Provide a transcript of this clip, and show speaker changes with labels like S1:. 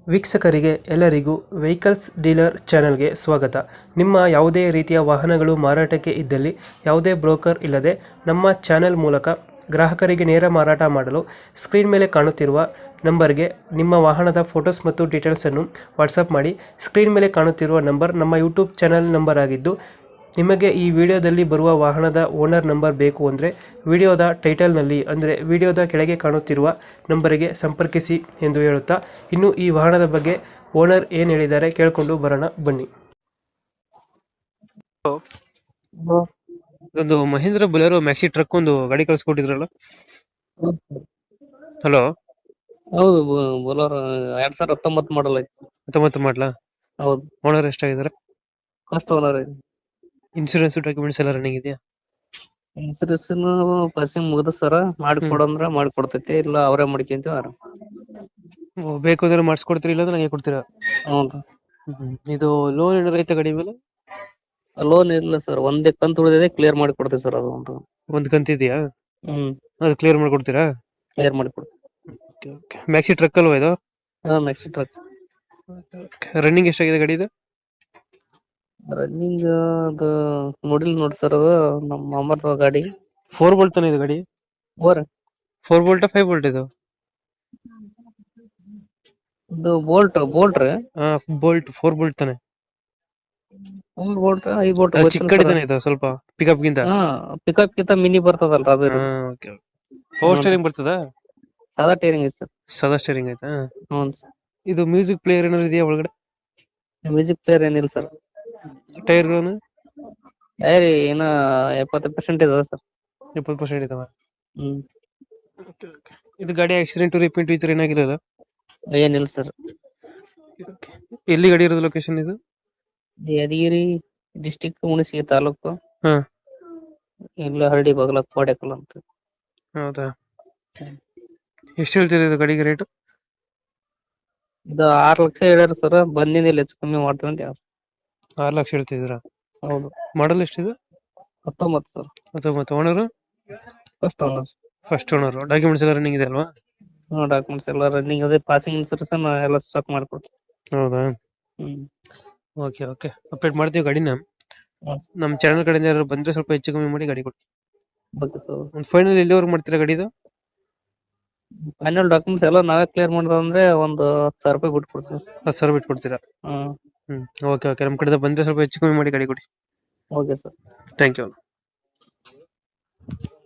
S1: ವೀಕ್ಷಕರಿಗೆ ಎಲ್ಲರಿಗೂ vehicles dealer ಚಾನೆಲ್ಗೆ ಸ್ವಾಗತ. ನಿಮ್ಮ ಯಾವುದೇ ರೀತಿಯ ವಾಹನಗಳು ಮಾರಾಟಕ್ಕೆ ಇದ್ದಲ್ಲಿ ಯಾವುದೇ ಬ್ರೋಕರ್ ಇಲ್ಲದೆ ನಮ್ಮ ಚಾನೆಲ್ ಮೂಲಕ ಗ್ರಾಹಕರಿಗೆ ನೇರ ಮಾರಾಟ ಮಾಡಲು ಸ್ಕ್ರೀನ್ ಮೇಲೆ ಕಾಣುತ್ತಿರುವ ನಂಬರ್ಗೆ ನಿಮ್ಮ ವಾಹನದ ಫೋಟೋಸ್ ಮತ್ತು ಡೀಟೇಲ್ಸನ್ನು ವಾಟ್ಸಪ್ ಮಾಡಿ. ಸ್ಕ್ರೀನ್ ಮೇಲೆ ಕಾಣುತ್ತಿರುವ ನಂಬರ್ ನಮ್ಮ ಯೂಟ್ಯೂಬ್ ಚಾನೆಲ್ ನಂಬರ್ ಆಗಿದ್ದು, ನಿಮಗೆ ಈ ವಿಡಿಯೋದಲ್ಲಿ ಬರುವ ವಾಹನದ ಓನರ್ ನಂಬರ್ ಬೇಕು ಅಂದರೆ ವಿಡಿಯೋದ ಟೈಟಲ್ನಲ್ಲಿ ಅಂದರೆ ವಿಡಿಯೋದ ಕೆಳಗೆ ಕಾಣುತ್ತಿರುವ ನಂಬರಿಗೆ ಸಂಪರ್ಕಿಸಿ ಎಂದು ಹೇಳುತ್ತಾ, ಇನ್ನು ಈ ವಾಹನದ ಬಗ್ಗೆ ಓನರ್ ಏನು ಹೇಳಿದ್ದಾರೆ ಕೇಳಿಕೊಂಡು ಬರೋಣ ಬನ್ನಿ.
S2: ಹಲೋ.
S1: ಒಂದು ಮಹೇಂದ್ರ ಬೊಲೆರೋ ಮ್ಯಾಕ್ಸಿ ಟ್ರಕ್ ಒಂದು ಗಾಡಿ ಕಳಿಸ್ಕೊಟ್ಟಿದ್ರಲ್ಲ. ಹಲೋ,
S2: ಹೌದು ಬೊಲೋರೋ 2019 ಮಾಡಲ್ ಐತಿ.
S1: 19 ಮಾಡಲಾ?
S2: ಹೌದು,
S1: ಓನರ್ ಎಷ್ಟಾಗಿದ್ದಾರೆ?
S2: ಫಸ್ಟ್ ಓನರ್ ಐತಿ.
S1: ಇನ್ಶೂರೆನ್ಸ್ ಡಾಕ್ಯುಮೆಂಟ್ಸ್ ಎಲ್ಲ ರನ್ನಿಂಗ್ ಇದೆಯಾ?
S2: ಇನ್ಸೂರೆನ್ಸ್ ಪಾಸಿಂಗ್ ಮುಗ್ದ ಸರ, ಮಾಡಿಕೊಡಂದ್ರ ಮಾಡಿಕೊಡ್ತೈತಿ, ಇಲ್ಲ ಅವರೇ ಮಾಡ್ಕೊಂತೀವಿ ಅವ್ರ.
S1: ಬೇಕು ಅಂದ್ರೆ ಮಾಡಿಸ್ಕೊಡ್ತೀರಿ, ಇಲ್ಲಾಂದ್ರೆ ನನಗೆ ಕೊಡ್ತೀರಾ?
S2: ಹ್ಞೂ.
S1: ಇದು ಲೋನ್ ಏನಾರ ಐತೆ ಗಾಡಿ ಮೇಲೆ?
S2: ಲೋನ್ ಇಲ್ಲ ಸರ್, ಒಂದೇ ಕಂತು ಉಳಿದಿದೆ, ಕ್ಲಿಯರ್ ಮಾಡಿ ಕೊಡ್ತೀವಿ ಸರ್. ಅದು
S1: ಒಂದು ಕಂತಿದೆಯಾ?
S2: ಹ್ಮ್
S1: ಅದು ಕ್ಲಿಯರ್ ಮಾಡ್ಕೊಡ್ತೀರಾ?
S2: ಕ್ಲಿಯರ್ ಮಾಡಿ ಕೊಡ್ತೀವಿ.
S1: ಮ್ಯಾಕ್ಸಿ ಟ್ರಕ್ ಅಲ್ವಾ ಇದು?
S2: ನೆಕ್ಸ್ಟ್ ಟ್ರಕ್
S1: ರನ್ನಿಂಗ್ ಎಷ್ಟಾಗಿದೆ ಗಾಡಿ ಇದು?
S2: ರನ್ನಿಂಗ್ ಅದು ನೋಡಿಲ್ಲ ನೋಡಿ ಸರ್. ಅದು ನಮ್ಮ ಅಮ್ಮರ್ದ ಗಾಡಿ.
S1: 4 ಬೋಲ್ಟ್ ತಾನೆ ಇದು ಗಾಡಿ?
S2: ಓರ್
S1: 4 ಬೋಲ್ಟ್ 5 ಬೋಲ್ಟ್ ಇದು?
S2: ಇದು ಬೋಲ್ಟ್ ರೀ.
S1: ಬೋಲ್ಟ್ 4 ಬೋಲ್ಟ್ ತಾನೆ?
S2: 4 ಬೋಲ್ಟ್ 5 ಬೋಲ್ಟ್
S1: ಚಿಕ್ಕ ಗಾಡಿ ತಾನೆ ಇದು, ಸ್ವಲ್ಪ ಪಿಕಪ್ ಗಿಂತ?
S2: ಪಿಕಪ್ ಕಿಂತ ಮಿನಿ ಬರ್ತದಲ್ರ ಅದು.
S1: ಪವರ್ ಸ್ಟೇರಿಂಗ್ ಬರ್ತದ?
S2: ಸಾದಾ ಟೈರಿಂಗ್ ಐತಿ ಸರ್.
S1: ಸಾದಾ ಸ್ಟೇರಿಂಗ್ ಆಯ್ತಾ?
S2: ಹ್ಞೂ.
S1: ಇದು ಮ್ಯೂಸಿಕ್ ಪ್ಲೇಯರ್ ಏನಾದ್ರು ಇದೆಯಾ ಒಳಗಡೆ?
S2: ಮ್ಯೂಸಿಕ್ ಪ್ಲೇಯರ್ ಏನಿಲ್ಲ ಸರ್.
S1: ಟೈರ್ಗಳನ್ನು
S2: ಏನ 70% ಇದೆ ಸರ್.
S1: 70% ಇದಾವ?
S2: ಹ್ಮ್.
S1: ಇದು ಗಾಡಿ ಆಕ್ಸಿಡೆಂಟ್ ರಿಪೇಂಟ್ ಈ ತರ ಏನಾಗಿರಲ್ಲ?
S2: ಏನಿಲ್ಲ ಸರ್.
S1: ಎಲ್ಲಿ ಗಾಡಿ ಇರೋದು ಲೊಕೇಶನ್ ಇದು?
S2: ಯಾದಗಿರಿ ಡಿಸ್ಟಿಕ್, ಹುಣಸಗಿ ತಾಲೂಕು.
S1: ಹಾ.
S2: ಇಲ್ಲ ಹಳ್ಳಿ ಬಗಲ ಕೋಡೆಕಲ್ ಅಂತ.
S1: ಹೌದಾ? ಎಷ್ಟು ಹೇಳ್ತೀರಿ ಇದು ಗಾಡಿಗೆ ರೇಟ್?
S2: ಇದು 6 ಲಕ್ಷ ಹೇಳ್ಯಾರ ಸರ್. ಬಂದಿನಿಲ್ಲ, ಹೆಚ್ಚು ಕಮ್ಮಿ ಮಾಡ್ತೀವಿ ಅಂತ.
S1: 6 ಲಕ್ಷ ಹೇಳ್ತಿದ್ದೀರಾ?
S2: ಹೌದು.
S1: ಮಾಡಲ್ ಎಷ್ಟಿದೆ?
S2: 19 sir.
S1: 19. Owner?
S2: First owner.
S1: First owner. Documents ಎಲ್ಲ ರನ್ನಿಂಗ್ ಇದೆ ಅಲ್ವಾ?
S2: ಡಾಕ್ಯುಮೆಂಟ್ಸ್ ಎಲ್ಲ ರನ್ನಿಂಗ್ ಅದೇ, ಪಾಸಿಂಗ್ ಇನ್ಸೂರೆನ್ಸ್ ಎಲ್ಲ ಸ್ಟಾಕ್ ಮಾಡ್ಕೊಡ್ತೀವಿ.
S1: ಹೌದಾ?
S2: ಹ್ಮ್.
S1: ಓಕೆ ಓಕೆ, ಅಪ್ಡೇಟ್ ಮಾಡ್ತೀವಿ ಗಾಡಿನ. ನಮ್ಮ ಚಾನಲ್ ಕಡೆಯಿಂದ ಯಾರು ಬಂದ್ರೆ ಸ್ವಲ್ಪ ಹೆಚ್ಚು ಕಮ್ಮಿ ಮಾಡಿ ಗಾಡಿ ಕೊಡಿ. ಒಂದು ಫೈನಲ್ ಎಲ್ಲಿವರೆಗೆ ಮಾಡ್ತೀರಾ ಗಾಡಿದು?
S2: ಫೈನಲ್ ಡಾಕ್ಯುಮೆಂಟ್ಸ್ ಎಲ್ಲ ನಾವೇ ಕ್ಲಿಯರ್ ಮಾಡೋದಂದ್ರೆ ಒಂದು 10,000 ರೂಪಾಯಿ ಬಿಟ್ಟು ಕೊಡ್ತೀವಿ.
S1: 10,000 ಬಿಟ್ಟು ಕೊಡ್ತೀರಾ? ಓಕೆ ಓಕೆ, ನಮ್ಮ ಕಡೆಯಿಂದ ಬಂದ್ರೆ ಸ್ವಲ್ಪ ಹೆಚ್ಚು ಕಮ್ಮಿ ಮಾಡಿ ಗಾಡಿ ಕೊಡಿ.
S2: Okay sir.
S1: Thank you.